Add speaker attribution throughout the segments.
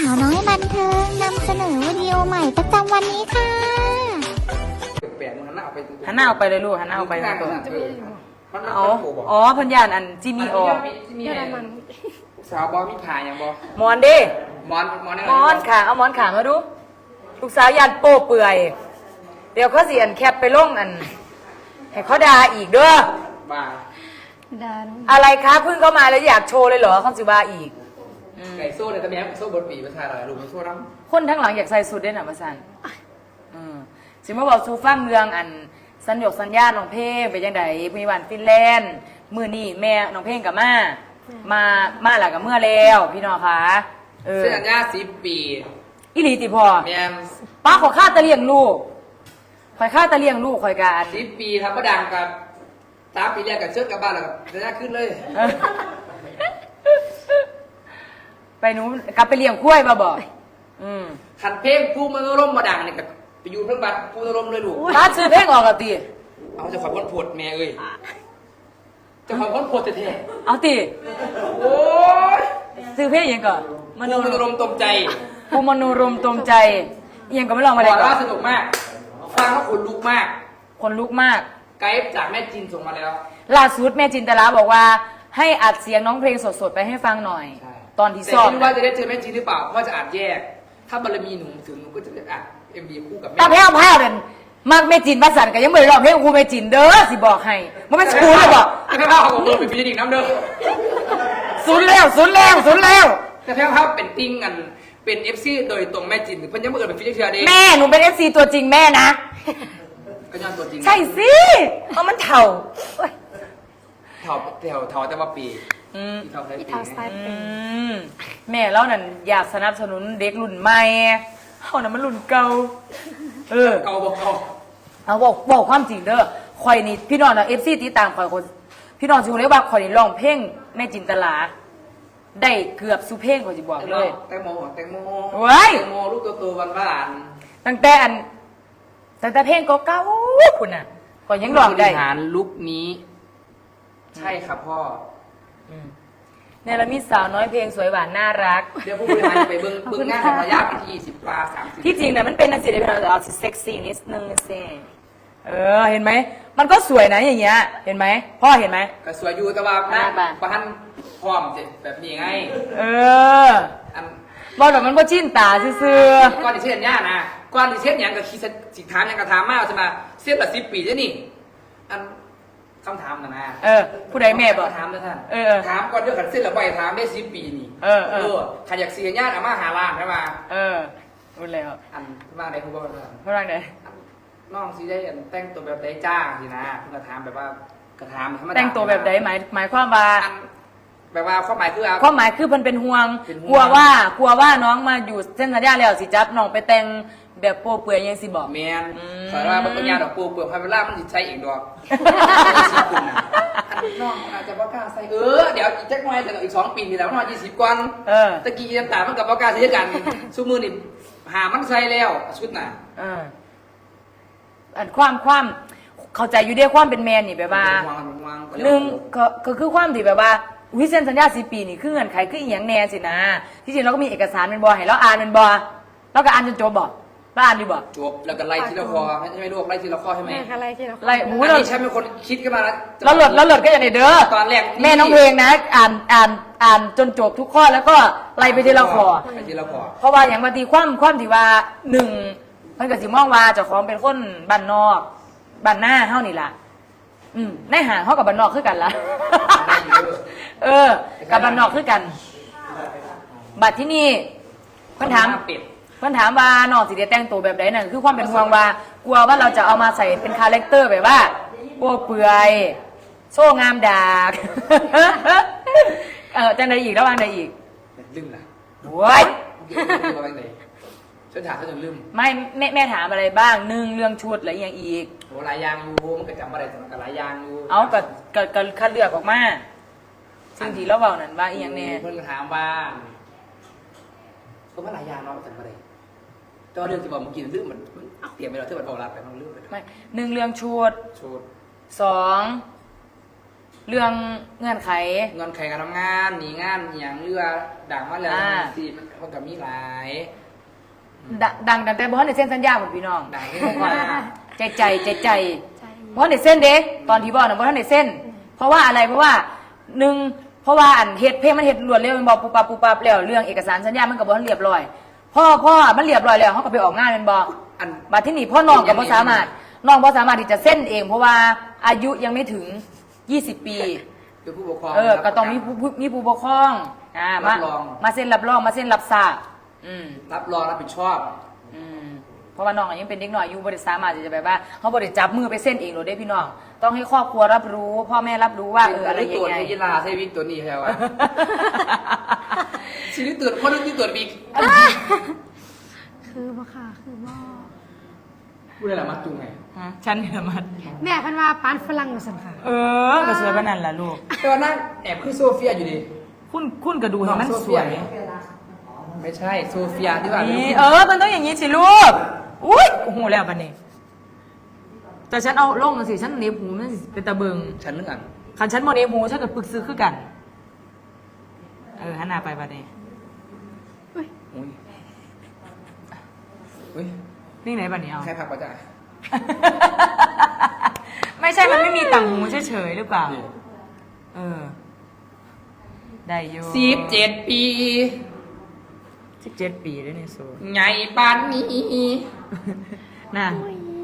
Speaker 1: าวน้อยบันเทิงนำเสนอวิดีโอใหม่ประจำวันนี้ค่ะ
Speaker 2: แปลกมันหันหน้าออกไป
Speaker 3: หันหน้าออกไปเลยลูกหันหน้าออกไป
Speaker 2: ตัว
Speaker 3: อ๋อเพิ่นย่านอันจิมีออก
Speaker 2: สาวบอมีผ่าอย่างบอ
Speaker 3: หมอนดิ
Speaker 2: มอน
Speaker 3: หมอนขาเอาหมอนขามาดูลูกสาวยันโป้เปื่อยเดี๋ยวเขาสิอันแคปไปลงอันให้เขาด่าอีกเด้อ
Speaker 2: บ้า
Speaker 3: อะไรคะเพิ่งเข้ามาแล้วอยากโชว์เลยเหรอเขาสิว่าอีก
Speaker 2: ไก่โซ่เนี่ยตะแม้โซ่บดปีประชาอะไรลูกมันโซ่น้
Speaker 3: คนทั้งหลังอยากใส่สุดได้หน่ะมาสันสิมาบอกซูฟังเรื่องอันสัญญกสัญญาน้องเพลงไปยังไงมีวันฟินแลนด์มือนี่แม่น้องเพลงกับมาหลักกับเมื่อแล้วพี่น้องคะ
Speaker 2: ำเส้นสัญญา10 ปี
Speaker 3: อิลีติพอ
Speaker 2: แม่
Speaker 3: ป้าขอค่าตะเลียงลูกคอยค่าตะเลียงลูกคอยการ
Speaker 2: 10 ปีทำมาดังกับ3 ปีแรกกับเชิดกับบ้านแล้วกับสัญญาขึ้นเลย
Speaker 3: ไปหนูกลับไปเลี้ยงกล้วยมาบอก
Speaker 2: ขันเพลงผู้มโนรมมาดังเนี่ยกับไปอยู่เพิ่งบัตรผู้มโนรมเลยลูก
Speaker 3: ป้าซื้อเพลงออกกับตี
Speaker 2: เอาจะขอพ้นผดแม่เอ้ยจะขอพ้นผดแท้
Speaker 3: เอาตี
Speaker 2: ๆโอ้ย
Speaker 3: ซื้อเพลงยังก่อน
Speaker 2: ผู้มโนรมตมใจ
Speaker 3: ภูมโนรมตรงใจยังก็ไม่ลองมา
Speaker 2: บ
Speaker 3: เลย
Speaker 2: อก
Speaker 3: ก่อ
Speaker 2: ว่าน สนุกมากฟังแล้วขนลุกมาก
Speaker 3: คนลุกมาก
Speaker 2: ไกด์จากแม่จีนส่งมาแล้ว
Speaker 3: ล่าสุดแม่จินตลาบอกว่าให้อัดเสียงน้องเพลงสดๆไปให้ฟังหน่อย
Speaker 2: ใช่
Speaker 3: ตอนที่
Speaker 2: แต่
Speaker 3: ซ้อม
Speaker 2: ไม่รู้ว่าจะได้เจอแม่จีนหรือเปล่าเพราะว่าจะอัดแยก ถ้าบารมีหนูถึงหนูก็จะได้อัด MV คู่กับแม่
Speaker 3: ตาแพ้วแพ้วเด่นมากแม่จินประสันก็ยังไม่ได้ร้องเพลงครูแม่จินเด้อสิบอกให้มันไม่ชูเลยบอก
Speaker 2: แต่แพ้วเขาบอกเออเป็นฟิลิปน้ำเด้อ
Speaker 3: สุดแล้วสุดแล้วสุดแล้ว
Speaker 2: แต่แพ้วเขาเป็นติ้งกันเป็น FC โดยตรงแม่จีนเพิ่นยังไม่เกิดเป็นฟิลิปเชียร์เด้
Speaker 3: แม่หนูเป็น FC ตัวจริงแม่นะ
Speaker 2: ก็ย้อนตัวจริง
Speaker 3: ใช่สิเพราะมันเถ่าโอ๊ย
Speaker 2: เท่าแต่ว่าปีที่เท่าไทยปี
Speaker 3: แม่เรานั่นอยากสนับสนุนเด็กรุ่นใหม่เขานั่นมันรุ่นเก่า
Speaker 2: เก่าบอกเก่า
Speaker 3: เอาบอกความจริงเด้อข่อยนี่พี่น้องนะFC ติดตามข่อยคนพี่น้องสิรู้เลยว่าข่อยนี่ร้องเพลงแม่จินตลาได้เกือบสุเพลงข่อยสิบอกเลย
Speaker 2: แตงโม
Speaker 3: เว้ย
Speaker 2: แตงโมลูกโตๆหวาน
Speaker 3: ตั้งแต่เพลงเก่าๆคุณน่ะข่อยยังร้องได้
Speaker 2: บริหารลุคนี้ ใช่ครับพ่อ
Speaker 3: เนี่ยเรามีสาวน้อยเพลงสวยหวานน่ารัก
Speaker 2: เดี๋ยวผู้บริหารไปเบิ้งงานของระยะไปที่20 กว่า 30
Speaker 3: ที่จริงเนี่ยมันเป็นนักศิลปินเราเอาเซ็กซี่นิดนึงสิเห็นไหมมันก็สวยนะอย่างเงี้ยเห็นไหมพ่อเห็นไหม
Speaker 2: ก็สวยอยู่แต่ว่านะ
Speaker 3: บ้า
Speaker 2: ประทันพร้อมเสร็จแบบนี้ไง อัน
Speaker 3: บอกแบบมันก็จิ้นตาซื่อ
Speaker 2: ก่อนที่เช่นย่านะก่อนที่เช่นอย่างกับคิดสิถามอย่างกระถามมากใช่ไหมเสียแบบ10 ปีใช่นี่อันคำถามนะ
Speaker 3: ผู้ใดแม่บอก
Speaker 2: ถามนะท่าน
Speaker 3: ถาม
Speaker 2: ก่อนเรื่องขันเส้นละใบถามได้10 ปีนี่ขันอยากเสียญาติอาม่าหาล้านใช่ไหม
Speaker 3: รู้แล้ว
Speaker 2: อันมาได้คุณบอกว่า
Speaker 3: เพราะอะไรเนี่ย
Speaker 2: น้องสิได้แต่งตัวแบบใดจ้าสินะเพิ่งกระถามแบบว่ากระถามธรรมดา
Speaker 3: แต่งตัวแบบใดหมายความว่า
Speaker 2: แบบว่าความหมายคือ
Speaker 3: ความหมายคือมันเป็นห่วง
Speaker 2: เป็นห่วง
Speaker 3: กลัวว่าน้องมาอยู่เส้นสัญญาแล้วสิจับน้องไปแต่งแบบโป๊เปื่อยยังสิบอก
Speaker 2: แมนสอนว่าบางปัญญาดอกปูเปลือกพาเวล่ามันจิตใช้เองดอกน้องอาจจะบ่กล้าใส่เดี๋ยวอีกจักหน่อยแต่อีก2 ปีนี่แล้วน้อง20 กว่าตะกี้น้ำตามันกับบ่กล้าใส่กันซุมือนี่หามันใส่แล้วชุดน่ะ
Speaker 3: อันความเข้าใจอยู่เดียความเป็นแมนนี่แบบว่าหนึ่งก็คือความที่แบบว่าวิเส้นสัญญา10 ปีนี่คือเงื่อนไขคืออีหยังแน่สินะที่จริงเราก็มีเอกสารเป็นบอให้เราอ่านเป็นบอเราก็อ่านจนจบบอกเราอ่านดีบอก
Speaker 2: จบแล้วก็ไล่ทีละคอไม่รู้ไล่ทีละคอใช่ไหม
Speaker 4: ไล่ที่เรา
Speaker 3: ไล่หู
Speaker 2: อัน
Speaker 3: เรา
Speaker 2: นี้ฉันเป็นคนคิดขึ้นมาแล้ว
Speaker 3: เราหลดก็อย่างในเด้อ
Speaker 2: ตอนแรก
Speaker 3: แม่น้องเพลงนะอ่านจนจบทุกข้อแล้วก็ไล่ไปทีละข้อ
Speaker 2: ไปทีละคอ
Speaker 3: เพราะว่าอย่างบางทีความที่ว่าหนึ่งมันก็สิมองว่าเจ้าของเป็นคนบ้านนอกบ้านหน้าเฮานี่ล่ะในห่างเฮากับบ้านนอกคือกันล่ะ กับบ้านนอกคือกัน บัดที่นี่เพิ่นถามว่าน้องสิได้แต่งตัวแบบใดนั่นคือความเป็นห่วงว่ากลัวว่าเราจะเอามาใส่เป็นคาแรคเตอร์แบบว่าโป้เปื่อยโซ่งามดาก จังใดอีกแล้ววางใดอีก
Speaker 2: ลืมนะ
Speaker 3: โว้ย
Speaker 2: ฉันถามเขาจนลืม
Speaker 3: ไม่แม่ถามอะไรบ้างหนึ่งเรื่องชุดอะไรอย่างอีก
Speaker 2: โหหลายยางอยู่มันก็จำอะไรแต่มันก็หลายยางอยู่
Speaker 3: เอาก็คัดเลือกออกมาสิ่งที่เราเบานั่นว่าอีกอย่างแน่
Speaker 2: เพื่อนก็ถามว่าก็ว่าหลายยางเนาะจำอะไรแต่ว่าเรื่องที่บอกเมื่อกี้ลืมมันเตรียมไปแล้วที่มันบอกรับไปมันลืมไป
Speaker 3: ไม่หนึ่งเรื่องชุด
Speaker 2: ชุด
Speaker 3: 2 เรื่องเงื่อนไข
Speaker 2: เงินไขการทำงานหนีงานอย่างเรือด่างมาแล้วสิมันก็มีหลาย
Speaker 3: ดังแต่บ่ทันได้เซ็นสัญญาหมดพี่น้อง
Speaker 2: ด่างที่ผมว่า
Speaker 3: ใจบ่ทันได้เซ็นเด้ตอนที่บอกน่ะบ่ทันได้เซ็นเพราะว่าอะไรเพราะว่าเพราะว่าอันเฮ็ดเพลงมันเฮ็ดรวดเร็วมันบอกปุ๊บปั๊บแล้วเรื่องเอกสารสัญญามันก็บ่ทันเรียบร้อยพ่อมันเรียบร้อยแล้วเฮาก็ไปออกงานแม่นบ่บัดที่นี่พ่อน้องก็บ่สามารถน้องบ่สามารถที่จะเซ็นเองเพราะว่าอายุยังไม่ถึง20 ปี
Speaker 2: คือผู้ปกครอง
Speaker 3: ก็ต้องมีผู้ปกครองมาเซ็นรับรองมาเซ็นรับทราบ
Speaker 2: รับรองรับผิดชอบ
Speaker 3: เพราะว่าน้องยังเป็นเด็กน้อยอยู่บริษัทมาจะแบบว่าเขาบริจับมือไปเส้นเองหรือได้พี่น้องต้องให้ครอบครัวรับรู้พ่อแม่รับรู้ว่าอะไรยังไง
Speaker 2: ตัวในยีราใช่วิกตัวนี้ใช่ไหมชีวิตตัวพ่อนึกที่ตัววิก
Speaker 4: คือบ่ค่ะคือบ่
Speaker 2: พูดอะไรมาจุงไง
Speaker 3: ฉันเนี่ยมัน
Speaker 4: แม่เพันว่าปานฝรั่งมาสั่นค่ะ
Speaker 3: ก็สวยปานนั้นล่ะลูก
Speaker 2: แต่ว่านั่นแอบคือโซเฟียอยู่ดิ
Speaker 3: คุณก็ดูเห็นมันสวย
Speaker 2: ไม่ใช่โซเฟียที่ว่า
Speaker 3: นี่มันต้องอย่างนี้สิลูกอุ้ยโอ้โหแล้วบัดนี้แต่ฉันเอาลงสิฉันเนบหูมันเป็นตะเบิง
Speaker 2: ฉันนึกอ่ะ
Speaker 3: คันฉันโมเนบหูฉันก็ปึกซื้อคือกันหันหน้าไปบัดนี้
Speaker 2: อุ้ยอุ้ย
Speaker 3: นี่ไหนบัดนี้เอา
Speaker 2: ใครพักประจ่า
Speaker 3: ไม่ใช่มันไม่มีต่างหูเฉยๆหรือเปล่าได้อยู่
Speaker 2: 17 ปี
Speaker 3: 17 ปีด้วยนี่โซ
Speaker 2: ไงปานนี้
Speaker 3: น่ะ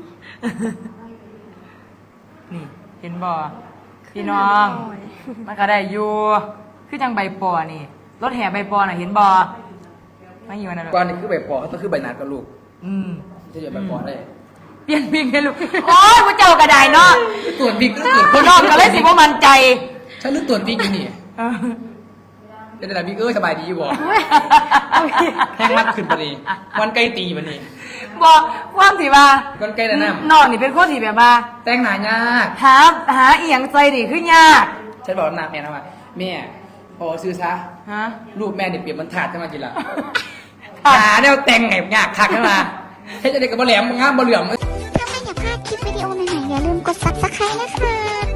Speaker 3: นี่เห็นบ่พี่น้องมันก็ได้อยู่คือจังใบปอนี่รถแห่ใบปอน่ะเห็นบ่ไม่อยู่นะลูก
Speaker 2: ก่อนนี่คือใบปอต้องคือใบนัดกับลูก จะอยู่ใบปอได้
Speaker 3: เปลี่ยนบิ๊กให้ลูกโอ้ยพระเจ้ากระไดเนาะ
Speaker 2: ตรวจบิ๊กตรวจ
Speaker 3: พี่น้องก็เลยสิบ่มั่นใจ
Speaker 2: ฉันนึกตรวจบิ๊กอยู่นี่เป็นแต่บิ๊กสบายดีอยู่บ่แห้งมัดขึ้นปะนี่วันไกลตีปะนี่
Speaker 3: บอกความสิว่า
Speaker 2: วันไกลแต่น้ำ
Speaker 3: น้องนี่เป็นคนที่แบบว่า
Speaker 2: แต่งหนายาก
Speaker 3: หาเอียงใจดิคือยาก
Speaker 2: ฉันบอกนางแม่นะว่าแม่พอซื้อซะ
Speaker 3: ฮะ
Speaker 2: รูปแม่เนี่ยเปรียบมันถาดขึ้นมากินละหาแนวแต่งไงยากคักขึ้นมาให้จะได้กับบ่แหลมงามบ่เหลื่อม
Speaker 1: ถ้าไม่อยากพลาดคลิปวิดีโอใหม่ๆอย่าลืมกด subscribe นะคะ